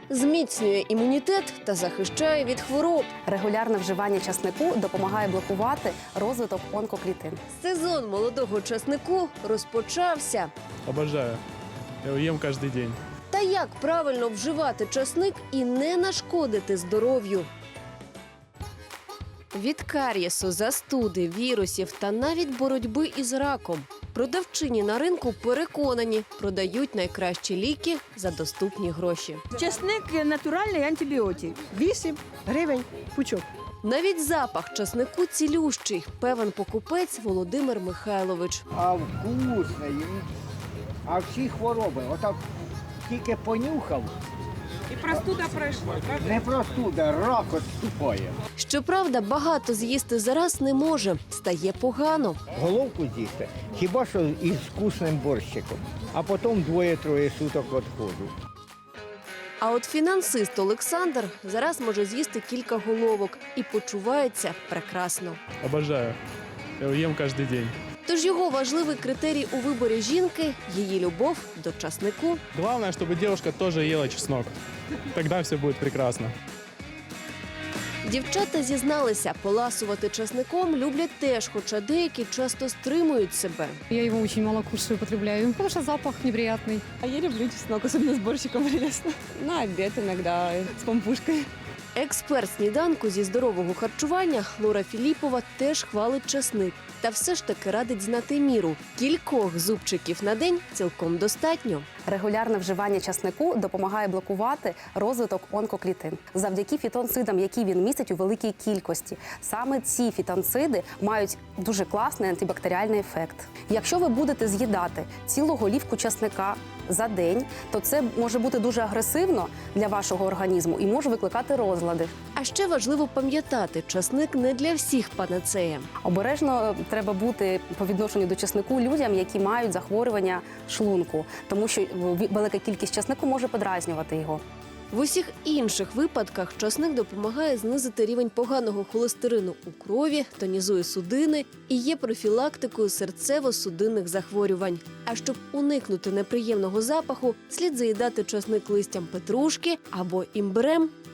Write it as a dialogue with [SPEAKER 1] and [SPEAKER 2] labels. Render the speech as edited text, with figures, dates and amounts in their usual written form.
[SPEAKER 1] Зміцнює імунітет та захищає від хвороб.
[SPEAKER 2] Регулярне вживання часнику допомагає блокувати розвиток онкоклітин.
[SPEAKER 1] Сезон молодого часнику розпочався.
[SPEAKER 3] Обожаю. Я его ем каждый день.
[SPEAKER 1] Та як правильно вживати часник і не нашкодити здоров'ю? Від кар'єсу, застуди, вірусів та навіть боротьби із раком. Продавчині на ринку переконані, продають найкращі ліки за доступні гроші.
[SPEAKER 4] Чесник – натуральний антибіотик. 8 гривень пучок.
[SPEAKER 1] Навіть запах часнику цілющий, певен покупець Володимир Михайлович.
[SPEAKER 5] А вкусний, а всі хвороби. Отак тільки понюхав.
[SPEAKER 4] І простуда пройшла.
[SPEAKER 5] Не простуда, рак відступає.
[SPEAKER 1] Щоправда, багато з'їсти зараз не може, стає погано.
[SPEAKER 5] Головку з'їсти хіба що із вкусним борщиком, а потім 2-3 суток відходу.
[SPEAKER 1] А от фінансист Олександр зараз може з'їсти кілька головок і почувається прекрасно.
[SPEAKER 3] Обожаю. Я его ем каждый день.
[SPEAKER 1] Тож його важливий критерій у виборі жінки – її любов до часнику.
[SPEAKER 3] Главное, чтобы девушка тоже ела чеснок. Тогда все будет прекрасно.
[SPEAKER 1] Дівчата зізналися, поласувати часником люблять теж, хоча деякі часто стримують себе.
[SPEAKER 6] Я его очень мало кушаю, употребляю, потому что запах неприятный.
[SPEAKER 7] А я люблю чеснок, особенно с борщиком прелестно. На обед иногда с пампушкой.
[SPEAKER 1] Експерт сніданку зі здорового харчування Лора Філіпова теж хвалить часник. Та все ж таки радить знати міру. Кількох зубчиків на день цілком достатньо.
[SPEAKER 2] Регулярне вживання часнику допомагає блокувати розвиток онкоклітин. Завдяки фітонцидам, які він містить у великій кількості. Саме ці фітонциди мають дуже класний антибактеріальний ефект. Якщо ви будете з'їдати цілу голівку часника за день, то це може бути дуже агресивно для вашого організму і може викликати розлади.
[SPEAKER 1] А ще важливо пам'ятати, часник не для всіх панацея.
[SPEAKER 2] Обережно треба бути по відношенню до часнику людям, які мають захворювання шлунку, тому що велика кількість часнику може подразнювати його.
[SPEAKER 1] В усіх інших випадках часник допомагає знизити рівень поганого холестерину у крові, тонізує судини і є профілактикою серцево-судинних захворювань. А щоб уникнути неприємного запаху, слід заїдати часник листям петрушки або імбирем